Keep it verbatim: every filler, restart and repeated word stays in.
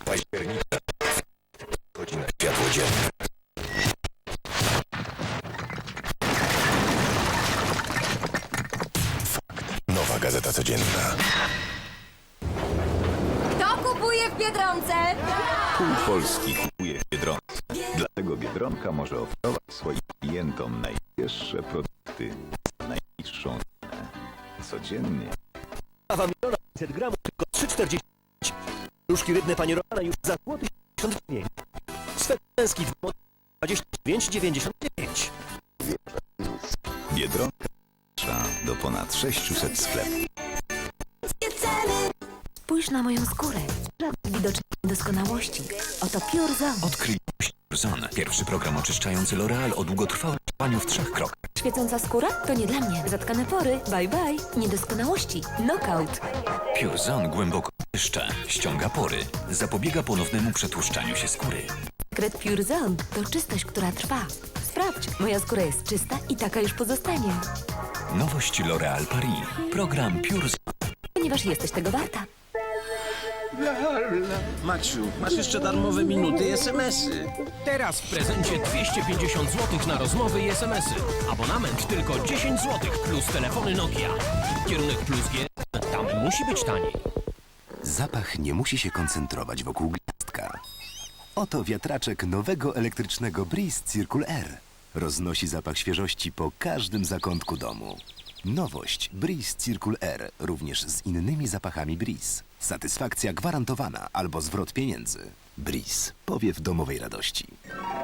października. Godzina światło dzienne. Fakt. Nowa Gazeta Codzienna. Kto kupuje w Biedronce? Pół Polski kupuje w Biedronce. Dlatego Biedronka może oferować swoim klientom najświeższe produkty za najniższą cenę. Codziennie. Kawa miliona pięćset gramów, tylko trzy czterdzieści. Różki rybne Pani Romana już za złoty siedemdziesiąt dziewięć. Sfer męski dwadzieścia dziewięć dziewięćdziesiąt dziewięć. Biedronka do ponad sześciuset sklepów. Spójrz na moją skórę. Żadnych widocznych niedoskonałości. Oto Pure Zone. Odkryj Pure Zone. Pierwszy program oczyszczający L'Oreal o długotrwałym działaniu w trzech krokach. Świecąca skóra? To nie dla mnie. Zatkane pory? Bye bye. Niedoskonałości? Knockout. Pure Zone głęboko czyszcza, ściąga pory, zapobiega ponownemu przetłuszczaniu się skóry. Sekret Pure Zone to czystość, która trwa. Sprawdź, moja skóra jest czysta i taka już pozostanie. Nowość L'Oreal Paris. Program Pure Zone. Ponieważ jesteś tego warta. Maciu, masz jeszcze darmowe minuty i es em esy. Teraz w prezencie dwieście pięćdziesiąt złotych na rozmowy i es em esy. Abonament tylko dziesięć złotych plus telefony Nokia. Kierunek plus G. Tam musi być taniej. Zapach nie musi się koncentrować wokół gwiazdka. Oto wiatraczek nowego elektrycznego Breeze Circle R. Roznosi zapach świeżości po każdym zakątku domu. Nowość Breeze Circle R, również z innymi zapachami Breeze. Satysfakcja gwarantowana albo zwrot pieniędzy. Breeze. Powiew domowej radości.